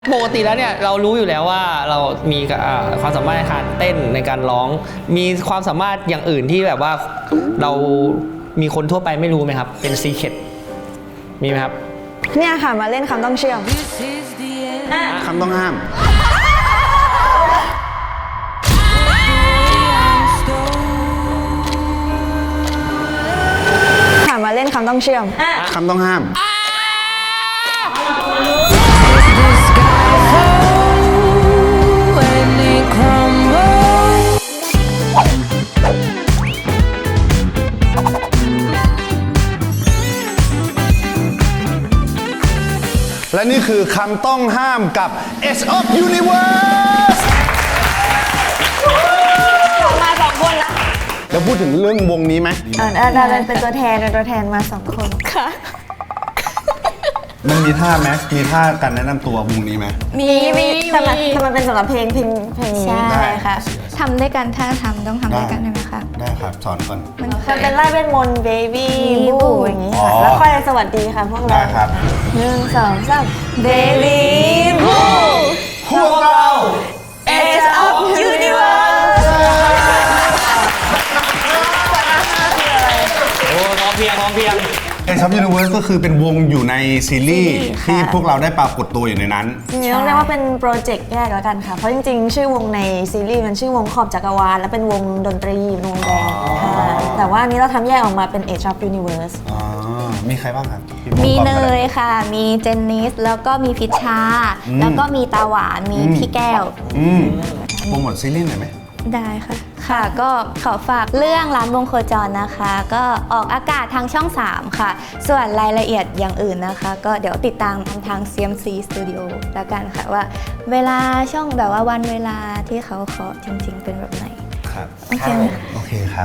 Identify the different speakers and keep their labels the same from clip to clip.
Speaker 1: ปกติแล้วเนี่ยเรารู้อยู่แล้วว่าเรามีความสามารถในการเต้นในการร้องมีความสามารถอย่างอื่นที่แบบว่าเรามีคนทั่วไปไม่รู้ไหมครับเป็นซีเคร็ตมีไหมครับ
Speaker 2: เนี่ยค่ะมาเล่นคำต้องเชื่อม
Speaker 3: คำต้องห้าม
Speaker 2: ค่ะมาเล่นคำต้องเชื่อม
Speaker 3: คำต้องห้ามและนี่คือคำต้องห้ามกับ Edge of Universe
Speaker 2: มา2 คนละ
Speaker 3: แล้วพูดถึงเรื่องวงนี้ไหม
Speaker 2: ได้เป็นตัวแทนมา2 คนค่ะ
Speaker 3: มันมีท่าไหมมีท่าการแนะนำตัววงนี้ไหม
Speaker 2: มีทำไมเป็นสำหรับเพลงนี้
Speaker 4: ใช่ค่ะทำด้วยกันถ้าต้องทำด้วยกันได้ไหมคะ
Speaker 3: ได้ครับสอนก่อน
Speaker 2: มันเป็นไล่เวทมนต์ baby บู๊อย่างนี้ค่ะแล้วค่อยสวัสดีค่ะพวกเรา
Speaker 3: ได้ครับ
Speaker 2: 1 2 3 baby บู๊
Speaker 3: พวกเรา
Speaker 2: Edge of Universe
Speaker 1: โอ้พร้อมเพียง
Speaker 3: Edge of Universe ก็คือเป็นวงอยู่ในซีรีส์ที่พวกเราได้ปรากฏตัวอยู่ในนั้น
Speaker 2: จริงๆต้องเรียกว่าเป็นโปรเจกต์แยกแล้วกันค่ะเพราะจริงๆชื่อวงในซีรีส์มันชื่อวงขอบจักรวาลและเป็นวงดนตรีวงแดนค่ะแต่ว่านี้เราทำแยกออกมาเป็น Edge of Universe
Speaker 3: มีใครบ้างครับ
Speaker 4: มีเนยค่ะมีเจนนิสแล้วก็มีพิชชาแล้วก็มีตาหวานมีพี่แก้ว
Speaker 3: โปรโมทซีรีส์หน่อยไหม
Speaker 4: ได้ค่ะค่ะก็ขอฝากเรื่องร้านวงโคจรนะคะก็ออกอากาศทางช่อง3ค่ะส่วนรายละเอียดอย่างอื่นนะคะก็เดี๋ยวติดตามทาง CMC Studio แล้วกันค่ะว่าเวลาช่องแบบว่าวันเวลาที่เขาขอจริงๆเป็นแบบไหน
Speaker 3: ครับ
Speaker 4: โอเคไหม
Speaker 3: โอเคครับ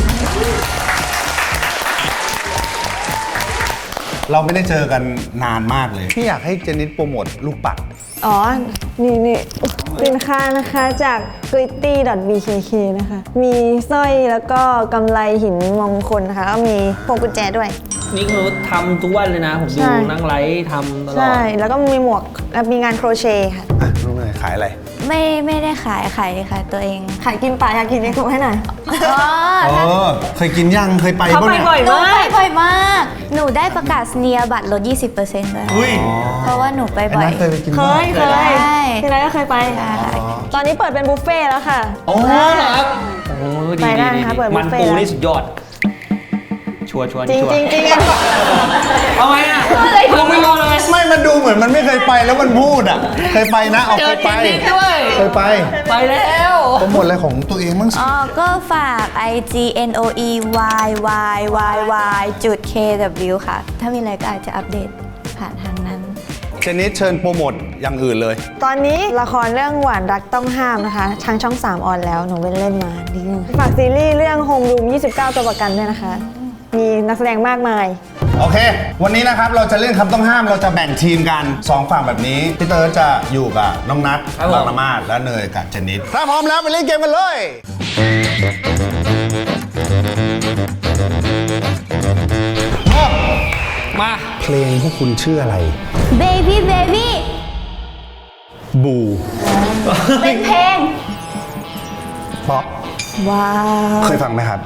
Speaker 3: เราไม่ได้เจอกันนานมากเลยพี่อยากให้เจนิสโปรโมทลูกปัด
Speaker 2: นี่สินค้านะคะจาก gritty.bkk นะคะมีสร้อยแล้วก็กำไลหินมงคลนะคะก็มีพวงกุญแจด้วย
Speaker 1: นี่คือทำทุกวันเลยนะผมดูนั่งไลฟ์ทำตลอด
Speaker 2: ใช่แล้วก็มีหมวกมีงานโครเชต์ค่ะ
Speaker 3: น้องเนยขายอะไร
Speaker 4: ไม่ได้ขายค่ะตัวเอง
Speaker 2: ขายกินปลาอยากกินเองถูกให้หน่อย
Speaker 3: เคยกินยังเคยไป
Speaker 2: เขาไปบ่อยมาก
Speaker 4: หนูได้ประกาศเนียบัตรลด 20% ด้วยเพราะว่าหนูไปบ่อย
Speaker 3: เคยไปกิน
Speaker 2: เคยที่ไรก็เคยไปตอนนี้เปิดเป็นบุฟเฟ่แล้วค่ะ
Speaker 1: โอ้เหรอครับโอ้ดีมันปูนี่สุดยอดชัวร์
Speaker 2: จริง
Speaker 1: เอาไงอ่ะลงไม่รอเลย
Speaker 3: ไม่มันดูเหมือนมันไม่เคยไปแล้วมันพูดอ่ะเคยไปนะเอาเคยไป
Speaker 1: ไปแล้ว
Speaker 3: โปรโมทอะไรของตัวเองบ้างสิ
Speaker 4: ก็ฝาก IGNOEYYYY.KW ค่ะถ้ามีอะไรก็อาจจะอัปเดตผ่านทางนั้น
Speaker 3: เจนิสเชิญโปรโมทอย่างอื่นเลย
Speaker 2: ตอนนี้ละครเรื่องหวานรักต้องห้ามนะคะทางช่อง3ออนแล้วหนูเล่นมาดีฝากซีรีส์เรื่องโฮมรูม29 ตัวประกันด้วยนะคะมีนักแสดงมากมาย
Speaker 3: โอเควันนี้นะครับเราจะเล่นคำต้องห้ามเราจะแบ่งทีมกัน2ฝั่งแบบนี้พี่เติร์ดจะอยู่กับน้องนัทบางละมาดและเนยกับเจนิสถ้าพร้อมแล้วไปเล่นเกมกันเลย
Speaker 1: มา
Speaker 3: เพลงพวกคุณชื่ออะไร
Speaker 4: Baby
Speaker 3: บู
Speaker 4: เป็นเพลง
Speaker 3: ป๊อป
Speaker 2: ว้าว
Speaker 3: เคยฟังไหมครับ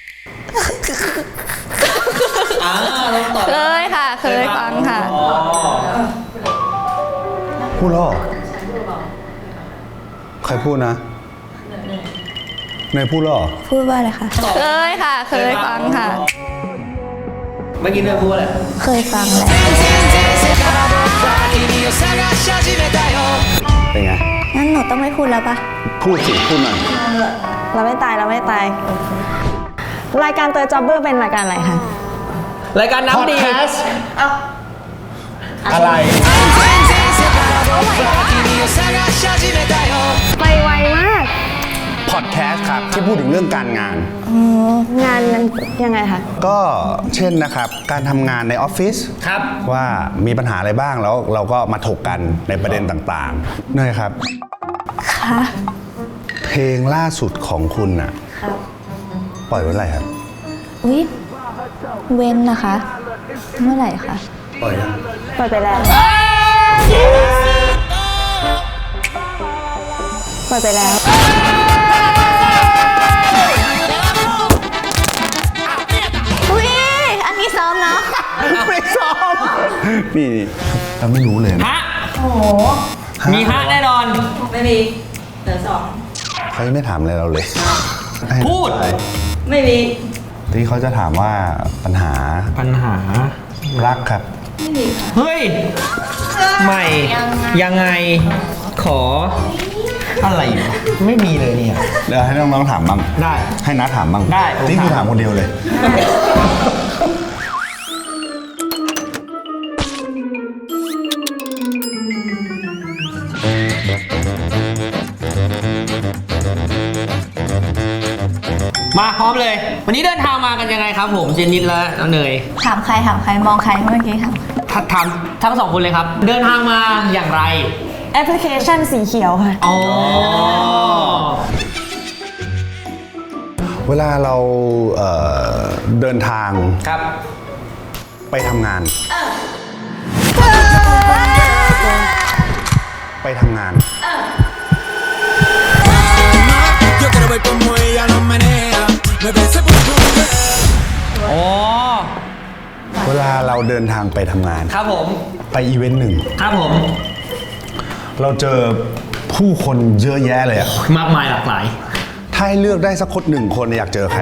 Speaker 4: เคยค่ะเคยฟังค่ะ
Speaker 3: พูดหรอใครพูดนะเนยพูดหรอ
Speaker 4: พูดว่าอะไรคะเคยค่ะเคยฟังค่ะ
Speaker 1: เมื่อกี้เนยพูดอะไร
Speaker 4: เคยฟังแหละ
Speaker 3: เป็นไง
Speaker 4: งั้นหนูต้องไม่พูดแล้วปะ
Speaker 3: พูดสิพูดหน่อย
Speaker 2: เราไม่ตายรายการเตอร์จ็อบเบอร์เป็นรายการอะไรคะ
Speaker 1: รายการน้ำดี
Speaker 3: อะไร
Speaker 2: ไปไวมาก
Speaker 3: พอดแคสต์ครับที่พูดถึงเรื่องการงาน
Speaker 2: งานนั้นยังไงคะ
Speaker 3: ก็เช่นนะครับการทำงานในออฟฟิศ
Speaker 1: ครับ
Speaker 3: ว่ามีปัญหาอะไรบ้างแล้วเราก็มาถกกันในประเด็นต่างๆเนยครับ
Speaker 4: ค่ะ
Speaker 3: เพลงล่าสุดของคุณน่ะปล่อยไว้อะไรครับ
Speaker 4: อุ๊ยเว้นนะคะเมื่อไหร่คะ
Speaker 3: ปล่อยยัง
Speaker 2: ปล่อยไปแล้วปล่อยไปแล้ว
Speaker 4: อุ้ยอันนี้ซ้อมเนาะ
Speaker 3: ไม่ซ้อมนี่เราไม่รู้เลยนะ
Speaker 1: ฮะมีฮะแน่นอน
Speaker 5: ไม่มีเหลือสอง
Speaker 3: เขายังไม่ถามอะไรเราเลย
Speaker 1: พูด
Speaker 5: ไม่มี
Speaker 3: ที่เขาจะถามว่าปัญหา
Speaker 1: ปัญหา
Speaker 3: รักครับ
Speaker 5: ไม่มีค่ะ
Speaker 1: เฮ้ย ใหม่ ยังไง ขอ อะไรวะไม่มีเลยเนี่ย
Speaker 3: เดี๋ยวให้น้องๆถามบ้าง
Speaker 1: ได้
Speaker 3: ให้นัดถามบ้าง
Speaker 1: ได้ผม
Speaker 3: นี่คือ
Speaker 1: ถา
Speaker 3: ถาม มคนเดียวเลย
Speaker 1: มาพร้อมเลย วันนี้เดินทางมากันยังไงครับผมเจนนิดและน้องเนย
Speaker 4: ถามใครมองใครเมื่อกี้ถาม
Speaker 1: ถามทั้งสองคนเลยครับ เดินทางมาอย่างไร
Speaker 2: แอปพลิเคชันสีเขียวค่ะ
Speaker 1: อ๋อ
Speaker 3: เวลาเราเดินทาง
Speaker 1: ครับ
Speaker 3: ไปทำงาน ไปทำงาน
Speaker 6: Yo quiero ver cómo ella lo menea. Me parece por tu
Speaker 1: อ๋อ
Speaker 3: เวลาเราเดินทางไปทำงาน
Speaker 1: ครับผม
Speaker 3: ไปอีเวนต์หนึ่ง
Speaker 1: ครับผม
Speaker 3: เราเจอผู้คนเยอะแยะเลยอะ
Speaker 1: มากมายหลากหลาย
Speaker 3: ถ้าให้เลือกได้สักคนหนึ่งคนอยากเจอใคร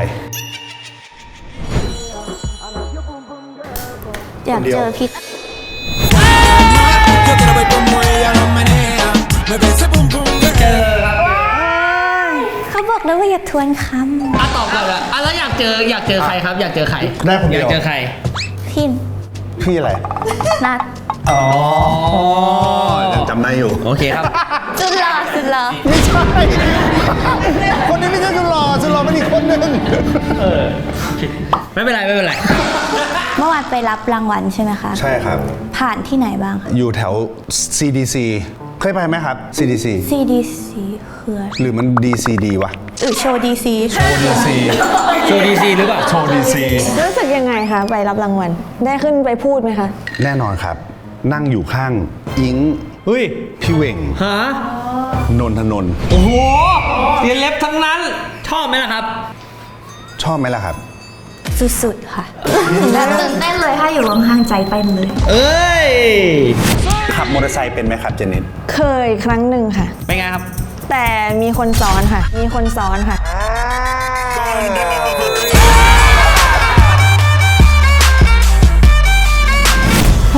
Speaker 4: อยากเจอพี่
Speaker 6: Yo quiero ver cómo ella lo menea. Me parece pum pum girl.
Speaker 4: เขาบอกแล้วว่าอย่าทวนค
Speaker 1: อ่ะตอบก่อนละอ่ะแล้วอยากเจอใครครับ อยากเจอใคร
Speaker 3: ได้คนเดียว
Speaker 1: อยากเจอใคร
Speaker 4: ำพี่
Speaker 3: พี่อะไร
Speaker 4: นัด
Speaker 3: อ๋อยังจำได้อยู่
Speaker 1: โอเคครับ
Speaker 4: สุดหล่อ
Speaker 3: ไม่ใช่ คนนี้ไม่ใช่สุดหล่อสุดหล่อเป็นอีกคนหนึ่ง
Speaker 1: ไม่เป็นไรไม่เป็นไร
Speaker 4: เมื่อวานไปรับรางวัลใช่ไหมคะ
Speaker 3: ใช่ครับ
Speaker 4: ผ่านที่ไหนบ้างคะ
Speaker 3: อยู่แถว CDC เคยไปไหมครับ CDC
Speaker 4: CDC คืออะไร
Speaker 3: หรือมัน DCD วะ
Speaker 4: โชว์ DC
Speaker 3: DC
Speaker 1: โชว์ดีซีหรือเปล่า
Speaker 3: โชว์ DC
Speaker 2: รู้สึกยังไงคะไปรับรางวัล ได้ขึ้นไปพูดไหมคะ
Speaker 3: แน่นอนครับ นั่งอยู่ข้างอิง
Speaker 1: เฮ้ย
Speaker 3: พี่เวง
Speaker 1: ฮะ
Speaker 3: นนทนนท์
Speaker 1: โอ้โหเรียนเล็บทั้งนั้น ชอบไหมล่ะครับ
Speaker 3: ชอบไหมล่ะครับ
Speaker 4: สุดๆค่ะแล้วตื่นเต้นเลยถ้าอยู่ข้างๆใจเต้นเลย
Speaker 1: เอ้ย
Speaker 3: ขับมอเตอร์ไซค์เป็นไหมครับเจนนิส
Speaker 2: เคยครั้งหนึ่งค่ะ
Speaker 1: เป็นไงครับ
Speaker 2: แต่มีคนซ้อนค่ะ มีคนซ้อนค่ะ โห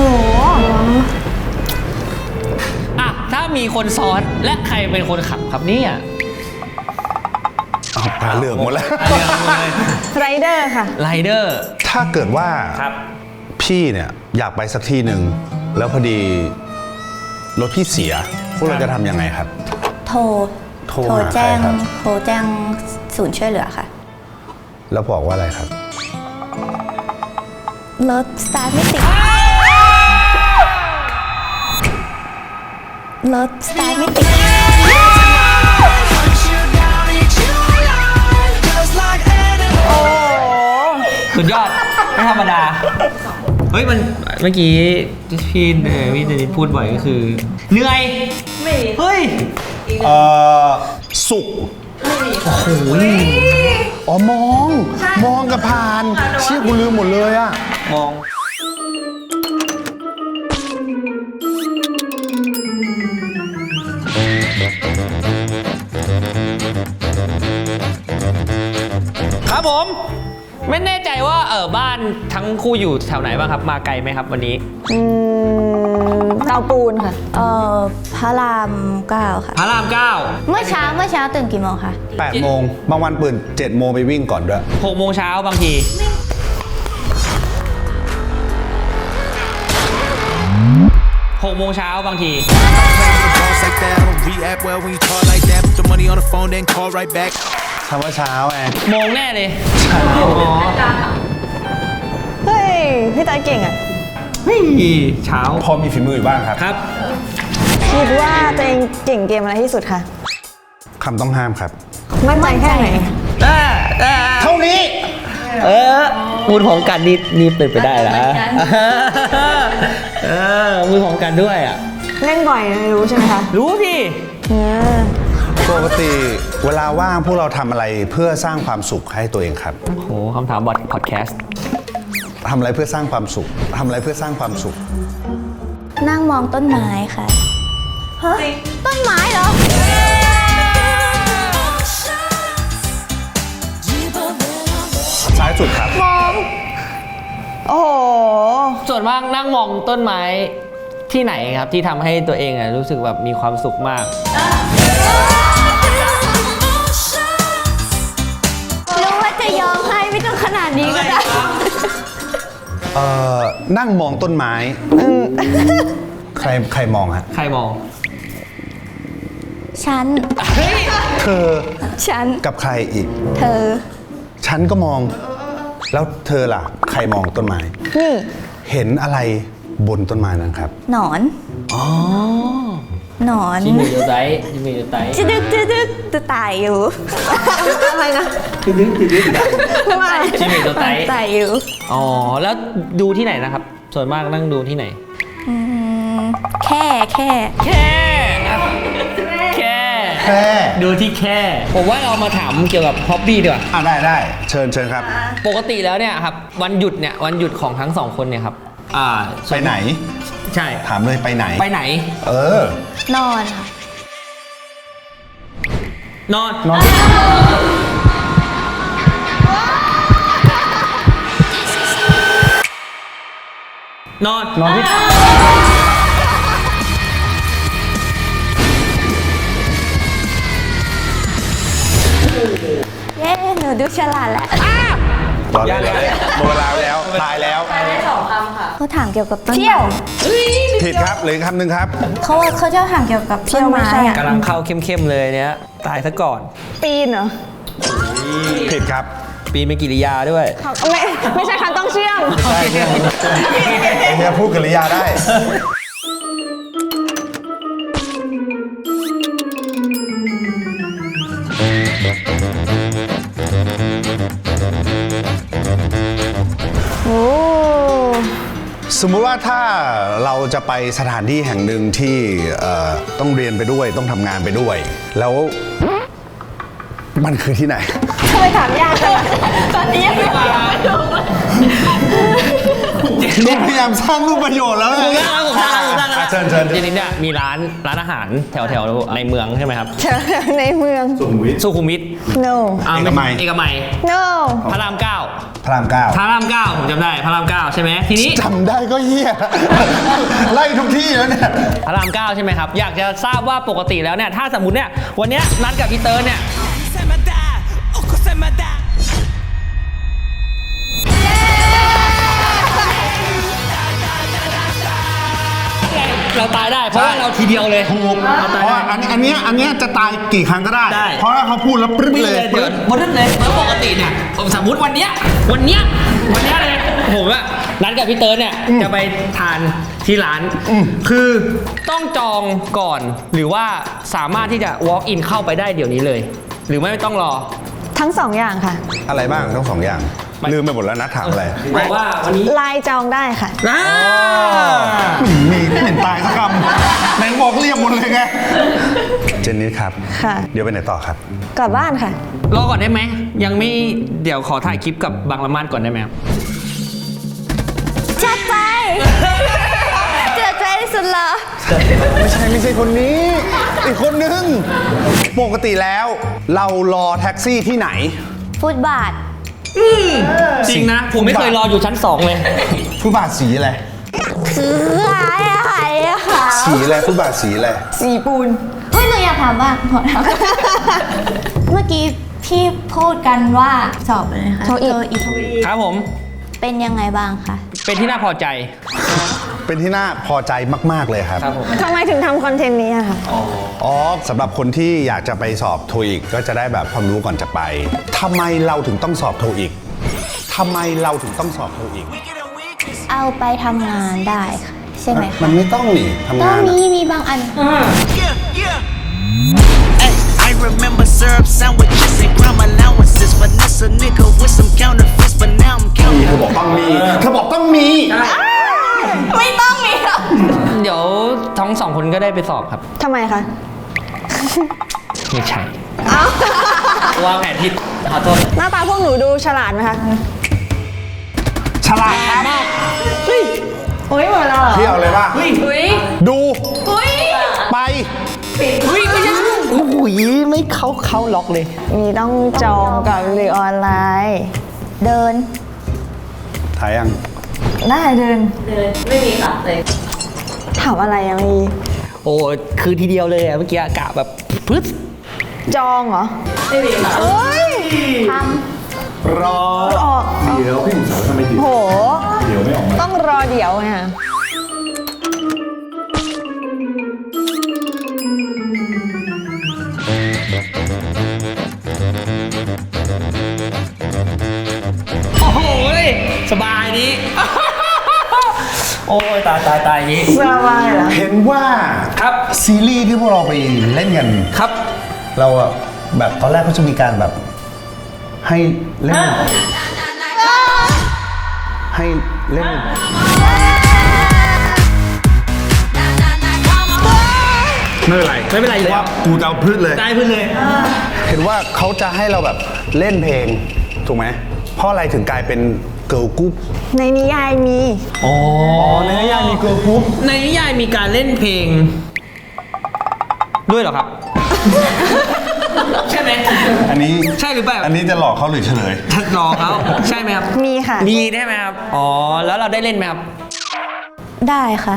Speaker 1: อ่ะ ถ้ามีคนซ้อนและใครเป็นคนขับครับเนี่ย
Speaker 3: ตาเหลือกหมดแล้ว
Speaker 2: ไรเดอร์ค่ะ
Speaker 1: ไรเดอร์
Speaker 3: ถ้าเกิดว่า
Speaker 1: ครับ
Speaker 3: พี่เนี่ยอยากไปสักที่หนึ่งแล้วพอดีรถพี่เสีย พวกเราจะทำยังไงครับ
Speaker 4: โทร
Speaker 3: โทรหาใครครับ
Speaker 4: โทรแจ้งศูนย์ช่วยเหลือค่ะ
Speaker 3: แล้วบอกว่าอะไรครับ
Speaker 4: รถสตาร์ทไม่ติด รถสตาร์ทไม่ติด
Speaker 1: สุดยอด ไม่ธรรมดา เฮ้ย มันเมื่อกี้พี่เจนิดพูดบ่อยก็คือ เหนื่อย
Speaker 5: ไม่มี
Speaker 1: เฮ้ย
Speaker 3: สุก
Speaker 1: โอ้โห
Speaker 3: อ๋อมองกับผ่านเชี่ยกูลืมหมดเลยอะ
Speaker 1: มอง ครับผม ไม่แน่ใจว่าบ้านทั้งคู่อยู่แถวไหนบ้างครับ มาไกลไหมครับวันนี้
Speaker 2: เตาปูนค่ะ
Speaker 4: พระราม9ค่ะ
Speaker 1: พระราม
Speaker 4: เมื่อเช้าตื่นกี่โมงคะ
Speaker 3: 8 โมงบางวันตื่น7 โมงไปวิ่งก่อนด้วย
Speaker 1: 9 6 โมงเช้าบางที 6 โมงเช้าบางที
Speaker 6: Boss like that, I don't react well when you talk like that. Put the money on the phone, then call right back.
Speaker 3: คำว่าเช้าไง
Speaker 1: โมงแน่เลย
Speaker 2: เฮ้ย พี่ตาเก่งอ่ะ
Speaker 1: เฮ้ยเช้า
Speaker 3: พอมีฝีมืออยู่บ้างครับ
Speaker 1: ครับ
Speaker 2: คิดว่าตัวเองเก่งเกมอะไรที่สุดคะ
Speaker 3: คำต้องห้ามครับ
Speaker 2: มั่นใจแค่ไหน
Speaker 3: เท่านี้
Speaker 1: มือของกันนี่เป็นไปได้แล้วมือของกันด้วยอ่ะ
Speaker 2: เล่นบ่อยรู้ใช่ไหมคะ
Speaker 1: รู้พี่
Speaker 2: เออ
Speaker 3: ก็ปกติเวลาว่างพวกเราทำอะไรเพื่อสร้างความสุขให้ตัวเองครับ
Speaker 1: โหคำถามบอทพอดแคสต์
Speaker 3: ทำอะไรเพื่อสร้างความสุขทำอะไรเพื่อสร้างความสุข
Speaker 4: นั่งมองต้นไม้ค่ะฮะต้นไม้เหรอ
Speaker 3: ซ้ายสุดครับ
Speaker 2: โอ้โห
Speaker 1: ส่วนมากนั่งมองต้นไม้ที่ไหนครับที่ทำให้ตัวเองรู้สึกแบบมีความสุขมาก
Speaker 4: รู้ว่าจะยอมให้ไม่ต้องขนาดนี้ก็ได้
Speaker 3: นั่งมองต้นไม้ใครมองฮะ
Speaker 1: ใครมอง
Speaker 4: ฉัน
Speaker 3: เธอ
Speaker 4: ฉัน
Speaker 3: กับใครอีก
Speaker 4: เธอ
Speaker 3: ฉันก็มอง แล้วเธอล่ะ ใครมองต้นไม้
Speaker 2: นี่
Speaker 3: เห็นอะไรบนต้นไม้นั้นครับ
Speaker 4: หนอน
Speaker 1: อ๋อ
Speaker 4: หนอน
Speaker 1: ชิมิโยไตชิมิโยไต
Speaker 4: จะดึกจะตายอยู่
Speaker 2: อะไรนะ
Speaker 1: คือดึก
Speaker 2: ทำไม
Speaker 1: ชิมิโยไต
Speaker 4: ตายอยู่
Speaker 1: อ๋อแล้วดูที่ไหนนะครับ ส่วนมากนั่งดูที่ไหน
Speaker 4: แค่
Speaker 1: แค่ ดูที่แค่ ผมว่าเรามาถามเกี่ยวกับฮ็อบบี้ดีกว่า
Speaker 3: ได้เชิญครับ
Speaker 1: ปกติแล้วเนี่ยครับวันหยุดของทั้งสองคนเนี่ยครับ
Speaker 3: ไปไหน
Speaker 1: ใช่
Speaker 3: ถามเลยไปไหน
Speaker 1: ไปไหน
Speaker 4: นอนค่ะ
Speaker 1: นอน นอน
Speaker 3: นอนที่
Speaker 4: เย้หนูดูฉลาดแหละ
Speaker 3: รอเลยหมดเวลาแล้วตายแล้ว
Speaker 5: ได้2 คำค่ะ
Speaker 4: เขาถามเกี่ยวกับต้นไม้
Speaker 2: เที่ยว
Speaker 3: ผิดครับเหลืออกคำหนึ่งครับ
Speaker 4: เขาจะถามเกี่ยวกับต้นไม้อะ
Speaker 1: กำลังเข้าเข้มๆเลยเนี่ยตายซะก่อน
Speaker 2: ปีนเหรอ
Speaker 3: ผิดครับ
Speaker 1: ปีนเป็นกิริยาด้วย
Speaker 2: ไม่ใช่คำต้องเชื่อม
Speaker 3: ใช่ไอ้เฮียพูดกริยาได้
Speaker 2: โอ้
Speaker 3: สมมุติว่าถ้าเราจะไปสถานที่แห่งหนึ่งที่ต้องเรียนไปด้วยต้องทำงานไปด้วย แล้วมันคือที่ไหน
Speaker 2: ทำไมถามยากจังอะตอนนี้ยังไม่รู้
Speaker 3: นี่พยายามสร้างรูปประโยชน์แล้วนะ เชิญ
Speaker 1: ทีนี้เนี่ยมีร้านอาหารแถวในเมืองใช่ไหมครับ
Speaker 2: ในเมือง
Speaker 1: สุขุมวิท
Speaker 2: no
Speaker 3: เอกมัย
Speaker 1: เอกมัย
Speaker 2: no
Speaker 1: พระรามเก้า
Speaker 3: พระรามเก้า
Speaker 1: พระรามเก้าผมจำได้พระรามเก้าใช่ไหมทีนี้
Speaker 3: จำได้ก็เฮียไล่ทุกที่แล้วเนี่ย
Speaker 1: พระรามเก้าใช่ไหมครับ อยากจะทราบว่าปกติแล้วเนี่ยถ้าสมมติเนี่ยวันเนี้ยนัดกับพี่เติร์นเนี่ยเราตายได้เพราะว่าเราทีเดียวเลย
Speaker 3: ถูก
Speaker 1: เรา
Speaker 3: เพ
Speaker 1: ตาย
Speaker 3: ราะ
Speaker 1: ได้
Speaker 3: ว่าอันเนี้ยจะตายกี่ครั้งก็ได้
Speaker 1: ได้
Speaker 3: เพราะถ้าเขาพูดแล้วปรึ๊บเลย
Speaker 1: เดี๋ยวบนนั้นเลยแล้วปกติเนี่ยผมสมมติวันเนี้ยเลยผมอะนัดกับพี่เติร์นเนี่ยจะไปทานที่ร้านคือต้องจองก่อนหรือว่าสามารถที่จะ walk in เข้าไปได้เดี๋ยวนี้เลย หรือไม่ต้องรอ
Speaker 2: ทั้งสองอย่างค่ะ
Speaker 3: อะไรบ้างทั้งสองอย่าง ลืมไปหมดแล้วนะถามอะไร
Speaker 1: บอกว่าวันนี้
Speaker 2: ไลน์จองได้ค่ะ
Speaker 3: มีไม่เห็นตายสักคำไหนบอกเรียบหมดเลยไง เจนนี่ครับ
Speaker 2: ค่ะ
Speaker 3: เดี๋ยวไปไหนต่อครับ
Speaker 2: กลับบ้านค่ะ
Speaker 1: รอก่อนได้ไหมยังไม่เดี๋ยวขอถ่ายคลิปกับบางละมาดก่อนได้ไหมครับ
Speaker 4: จัดไป เจือใจที่สุดเหรอ
Speaker 3: ไม่ใช่คนนี้ อีกคนนึง ปกติแล้วเรารอแท็กซี่ที่ไหน
Speaker 4: ฟุตบาท
Speaker 1: จริงนะ ผมไม่เคยรออยู่ชั้น 2 เลย
Speaker 3: ฟุตบาทสีอะไร
Speaker 4: คืออะไรอะค่ะ
Speaker 3: สีอะไรฟุตบาทสีอะไร
Speaker 2: สีปูน
Speaker 4: เฮ้ยหนูอยากถามบ้างขอถามเมื่อกี้พี่พูดกันว่าสอบอะไรนะคะ
Speaker 2: โทอีก
Speaker 4: อีก
Speaker 1: ครับผม
Speaker 4: เป็นยังไงบ้างคะ
Speaker 1: เป็นที่น่าพอใจ
Speaker 3: เป็นที่น่าพอใจมากๆเลยครับ
Speaker 1: ครับผม
Speaker 2: ทำไมถึงทำคอนเทนต์นี้อะค่ะ
Speaker 3: อ๋อสำหรับคนที่อยากจะไปสอบโทอีกก็จะได้แบบความรู้ก่อนจะไปทำไมเราถึงต้องสอบโทอีกทำไมเราถึงต้องสอบโทอีก
Speaker 4: เอาไปทำงานได้ค่ะใช่ไหมคะ
Speaker 3: มันไม่ต้องนี่ทำ
Speaker 4: ก็
Speaker 3: งาน
Speaker 4: มีบางอัน
Speaker 7: Ay, I remember syrup sandwiches and crime allowances. Finesse a nigga with some counterfeits, but now I'm
Speaker 3: เธ
Speaker 7: counting.
Speaker 3: อบอกต้องมีเธอบอกต้องมี
Speaker 4: ไม่ต้องมีหรอก
Speaker 1: เดี๋ยวทั้ง 2 คนก็ได้ไปสอบครับ
Speaker 2: ทำไมคะ
Speaker 1: ไม่ใช่วางแผนผิดขอโทษ
Speaker 2: หน้าตาพวกหนูดูฉลาดไหมคะ
Speaker 3: ฉลาดครับ
Speaker 2: เฮ้ยโอ้ยหมดแล้วเหรอ
Speaker 3: พี่เอาเลยป่ะ ดู ไป
Speaker 1: อุ้ยไม่ใช่โอ้โหไม่เข้าล็อกเลย
Speaker 2: มีต้องจองกับหรือออนไลน์
Speaker 4: เดิน
Speaker 3: ถ่ายยัง
Speaker 2: ได้เดิน
Speaker 5: เดินไม่มีค่ะเลย
Speaker 2: ถามอะไรอะมี
Speaker 1: โอ้คือทีเดียวเลยอะเมื่อกี้กะแบบปึ๊ด
Speaker 2: จองเหรอ
Speaker 5: ไม่มีค่ะ
Speaker 2: เฮ้ย
Speaker 3: รอ
Speaker 2: ออก
Speaker 3: เดี๋ยวพี่หนุ่มสาวทำไมเดี๋ยว
Speaker 2: โห
Speaker 3: เดี๋ยวไม่ออกมา
Speaker 2: ต้องรอเดี๋ยวไงค่ะ
Speaker 1: โอ้โหสบายนี้ โอ้ยตายนี้
Speaker 2: สบายเหรอ
Speaker 3: เห็นว่า
Speaker 1: ครับ
Speaker 3: ซีรีส์ที่พวกเราไปเล่นกัน
Speaker 1: ครับ
Speaker 3: เราอะแบบตอนแรกเขาจะมีการแบบ ให้เล่น ให้เล่น ไม่เป็นไร
Speaker 1: ไม่เป็นไรอยู่แล้ว
Speaker 3: ว่ากูจะเอาพืชเลย
Speaker 1: ได้พื้นเลย
Speaker 3: เห็นว่าเขาจะให้เราแบบเล่นเพลง ถูกไหมเพราะอะไรถึงกลายเป็นเกิร์ลกรุ๊ป
Speaker 2: ในนิยายมี
Speaker 1: อ๋อ
Speaker 3: ในนิยายมีเกิร์ลกรุ๊ป
Speaker 1: ในนิยายมีการเล่นเพลง ด้วยเหรอครับ ใช่ไหม
Speaker 3: อันนี้
Speaker 1: ใช่หรือเปล่า
Speaker 3: อันนี้จะหลอกเขาหรือเฉลย
Speaker 1: ทัดรอเขาใช่ไหมครับ
Speaker 2: มีค่ะ
Speaker 1: มีได้ไหมครับ อ๋อ แล้วเราได้เล่นไหมครับ
Speaker 4: ได้ค่ะ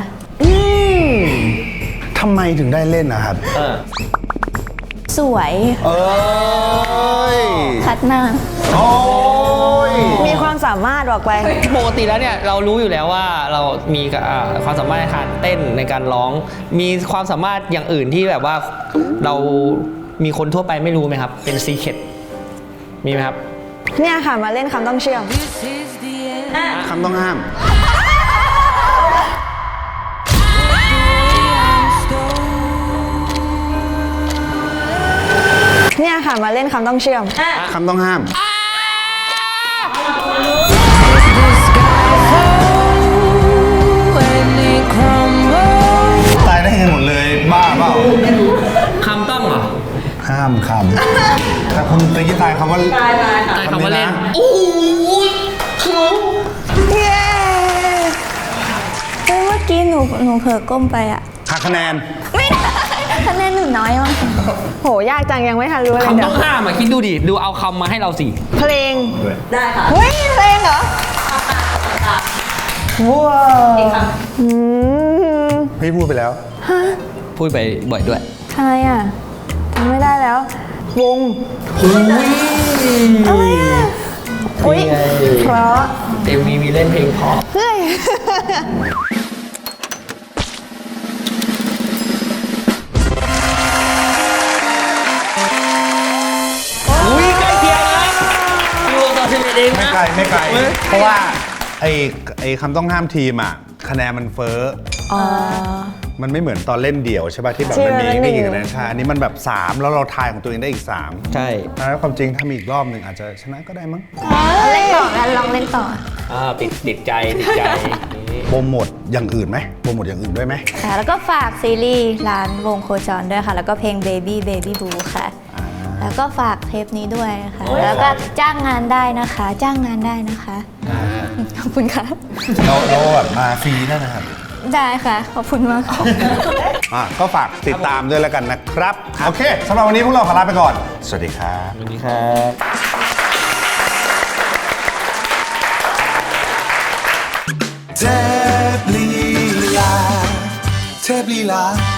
Speaker 3: ทำไมถึงได้เล่นนะครับ
Speaker 4: สวย
Speaker 3: เอ้ย
Speaker 4: คัดหน้า
Speaker 3: โอ้ย
Speaker 2: มีความสามารถบอกไป
Speaker 1: ปกติแล้วเนี่ยเรารู้อยู่แล้วว่าเรามีความสามารถในการเต้นในการร้อง มีความสามารถอย่างอื่นที่แบบว่าเรามีคนทั่วไปไม่รู้ไหมครับ เป็นซีเคร็ตมีไหมครับ
Speaker 2: เนี่ยค่ะมาเล่นคำต้องเชื่อม
Speaker 3: คำต้องห้าม
Speaker 2: เนี่ยค่ะมาเล่นคำต้องเชื่อม
Speaker 3: คำต้องห้าม ตายได้กันหมดเลย บ้าเปล่า
Speaker 1: คำต้องเหรอ
Speaker 3: ห้ามคำแต่คุณตะกี้ตายคำว่า
Speaker 5: ตายค่ะ
Speaker 1: ใช่คำว่าเล่น
Speaker 3: คำนี้นะ
Speaker 1: โอ้โห
Speaker 2: เย้
Speaker 4: เฮ้ยเมื่อกี้หนูเผลอก้มไปอะ
Speaker 3: หักคะแนน
Speaker 4: ไม่ได้คะแนนหนูน้อยมาก
Speaker 2: โหยากจังยังไม่ทันรู้เลย
Speaker 1: คำ
Speaker 2: เดี๋
Speaker 1: ต้
Speaker 2: ย
Speaker 1: อ
Speaker 2: ว
Speaker 1: งห้ามอ่ะคิดดูดิ ดูเอาคำมาให้เราสิ
Speaker 2: เพลง
Speaker 5: ได้ค่ะ
Speaker 2: เฮ้ยเพลงเหรอว้าว
Speaker 5: อีกค
Speaker 2: อืม
Speaker 3: พี่พูดไปแล้ว
Speaker 1: พูดไปบ่อยด้วย
Speaker 2: ทำไมอ่ะทำไม่ได้แล้ว วงอะไรอ่ะอุ้ย
Speaker 1: นี่ไง
Speaker 2: เพราะ
Speaker 1: เอ็มวีมีเล่นเพลงเพราะ
Speaker 2: เฮ้ย
Speaker 1: อุ้ยใกล้เคียงนะอยู่ต่อ11เอง
Speaker 3: ไม่
Speaker 1: นะ
Speaker 3: ไกลไม่ไกล เพราะว่าไอ้คำต้องห้ามทีมอ่ะ คะแนนมันเฟ้อ
Speaker 4: อ๋อ
Speaker 3: มันไม่เหมือนตอนเล่นเดี่ยวใช่ป่ะที่แบบ
Speaker 2: ที่
Speaker 3: มันมี
Speaker 2: มัน
Speaker 3: ไม่กี่
Speaker 2: หนึ่ง
Speaker 3: คะแนนใช่อันนี้มันแบบ 3 แล้วเราทายของตัวเองได้อีก 3
Speaker 1: ใช่
Speaker 3: แล้วความจริงถ้ามีอีกรอบหนึ่งอาจจะชนะก็ได้มั้ง
Speaker 4: เล่นต่อกันลองเล่นต่อ
Speaker 1: ติดใจนี่
Speaker 3: โปรโมทอย่างอื่นไหมโปรโมทอย่างอื่นด้วยไหม
Speaker 4: ค่ะ แล้วก็ฝากซีรีส์ร้านวงโคจรด้วยค่ะ แล้วก็เพลง Baby Baby Blue ค่ะ แล้วก็ฝากเทปนี้ด้วยค่ะ แล้วก็จ้างงานได้นะคะ จ้างงานได้นะคะ ขอบคุณค่ะ
Speaker 3: เราแบบมาฟรีนั่นนะครับ
Speaker 4: ได้ค่ะ ขอบคุณมากค่ะ
Speaker 3: ก็ฝากติดตามด้วยแล้วกันนะครับ โอเคสำหรับวันนี้พวกเราขอลาไปก่อน สวัสดีครับ
Speaker 1: สวัสดีครับ
Speaker 6: เทพลีลา